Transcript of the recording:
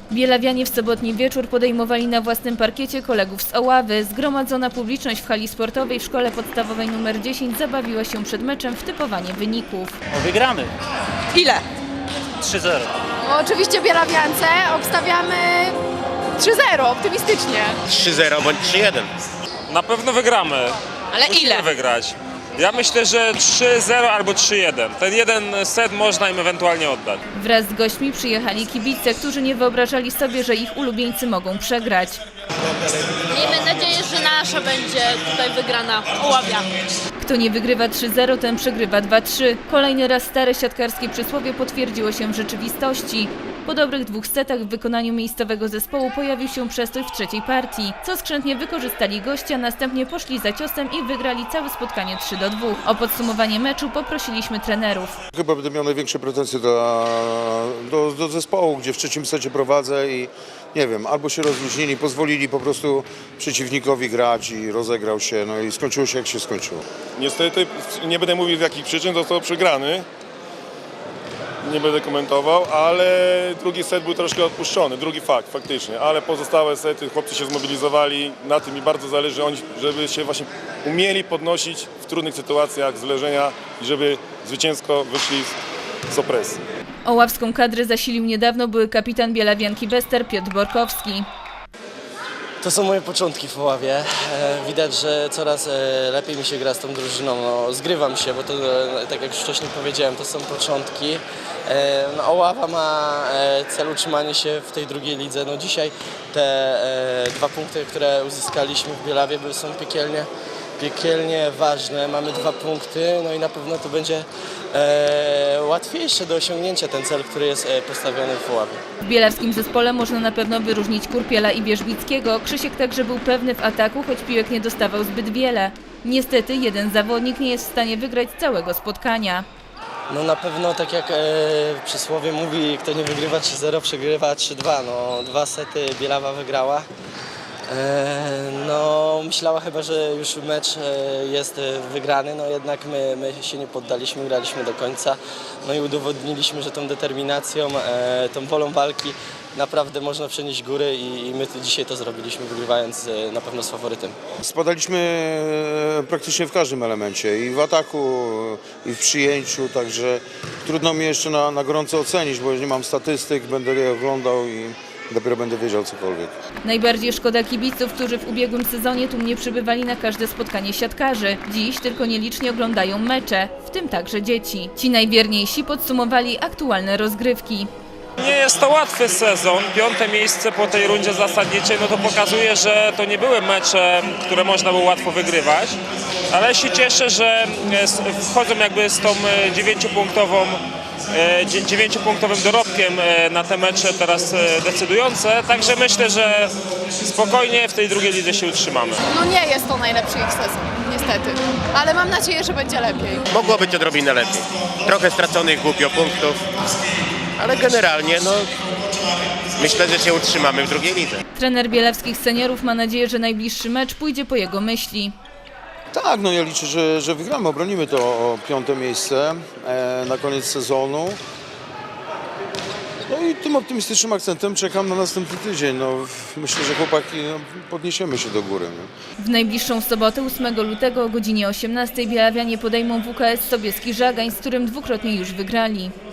Bielawianie w sobotni wieczór podejmowali na własnym parkiecie kolegów z Oławy. Zgromadzona publiczność w hali sportowej w szkole podstawowej nr 10 zabawiła się przed meczem w typowanie wyników. Wygramy. Ile? 3-0. Oczywiście bielawiance obstawiamy 3-0, optymistycznie. 3-0 bądź 3-1. Na pewno wygramy. Ale Musimy ile? wygrać. Ja myślę, że 3-0 albo 3-1. Ten jeden set można im ewentualnie oddać. Wraz z gośćmi przyjechali kibice, którzy nie wyobrażali sobie, że ich ulubieńcy mogą przegrać. Miejmy nadzieję, że nasza będzie tutaj wygrana, Oławia. Kto nie wygrywa 3-0, ten przegrywa 2-3. Kolejny raz stare siatkarskie przysłowie potwierdziło się w rzeczywistości. Po dobrych 2 setach w wykonaniu miejscowego zespołu pojawił się przestój w trzeciej partii, co skrzętnie wykorzystali goście, a następnie poszli za ciosem i wygrali całe spotkanie 3-2. O podsumowanie meczu poprosiliśmy trenerów. Chyba będę miał największe pretensje do zespołu, gdzie w trzecim secie prowadzę i nie wiem, albo się rozluźnili, pozwolili po prostu przeciwnikowi grać i rozegrał się, no i skończyło się jak się skończyło. Niestety nie będę mówił z jakich przyczyn został przegrany. Nie będę komentował, ale drugi set był troszkę odpuszczony, drugi fakt faktycznie, ale pozostałe sety chłopcy się zmobilizowali, na tym mi bardzo zależy, żeby się właśnie umieli podnosić w trudnych sytuacjach z leżenia i żeby zwycięsko wyszli z opresji. Oławską kadrę zasilił niedawno były kapitan bielawianki Bester Piotr Borkowski. To są moje początki w Oławie. Widać, że coraz lepiej mi się gra z tą drużyną. No, zgrywam się, bo to, tak jak już wcześniej powiedziałem, to są początki. No, Oława ma cel utrzymanie się w tej drugiej lidze. No, dzisiaj te 2 punkty, które uzyskaliśmy w Bielawie, są piekielnie ważne. Mamy 2 punkty, no i na pewno to będzie łatwiejsze do osiągnięcia ten cel, który jest postawiony w Oławie. W bielawskim zespole można na pewno wyróżnić Kurpiela i Wierzbickiego. Krzysiek także był pewny w ataku, choć piłek nie dostawał zbyt wiele. Niestety jeden zawodnik nie jest w stanie wygrać całego spotkania. No na pewno, tak jak przysłowie mówi, kto nie wygrywa 3-0, przegrywa 3-2. No, 2 sety Bielawa wygrała. No, myślała chyba, że już mecz jest wygrany, no jednak my się nie poddaliśmy, graliśmy do końca. No i udowodniliśmy, że tą determinacją, tą wolą walki naprawdę można przenieść góry i my dzisiaj to zrobiliśmy, wygrywając na pewno z faworytem. Spadaliśmy praktycznie w każdym elemencie, i w ataku, i w przyjęciu, także trudno mi jeszcze na gorąco ocenić, bo nie mam statystyk, będę je oglądał i dopiero będę wiedział cokolwiek. Najbardziej szkoda kibiców, którzy w ubiegłym sezonie tu nie przybywali na każde spotkanie siatkarzy. Dziś tylko nielicznie oglądają mecze, w tym także dzieci. Ci najwierniejsi podsumowali aktualne rozgrywki. Nie jest to łatwy sezon. 5. miejsce po tej rundzie zasadniczej, no to pokazuje, że to nie były mecze, które można było łatwo wygrywać. Ale się cieszę, że wchodzą jakby z tą 9-punktowym dorobkiem na te mecze teraz decydujące, także myślę, że spokojnie w tej drugiej lidze się utrzymamy. No nie jest to najlepszy ich sezon, niestety, ale mam nadzieję, że będzie lepiej. Mogło być odrobinę lepiej. Trochę straconych głupio punktów, ale generalnie no myślę, że się utrzymamy w drugiej lidze. Trener bielawskich seniorów ma nadzieję, że najbliższy mecz pójdzie po jego myśli. Tak, no ja liczę, że wygramy, obronimy to 5. miejsce na koniec sezonu. No i tym optymistycznym akcentem czekam na następny tydzień. No, myślę, że chłopaki podniesiemy się do góry. Nie? W najbliższą sobotę 8 lutego o godzinie 18 bielawianie podejmą WKS Sobieski Żagań, z którym dwukrotnie już wygrali.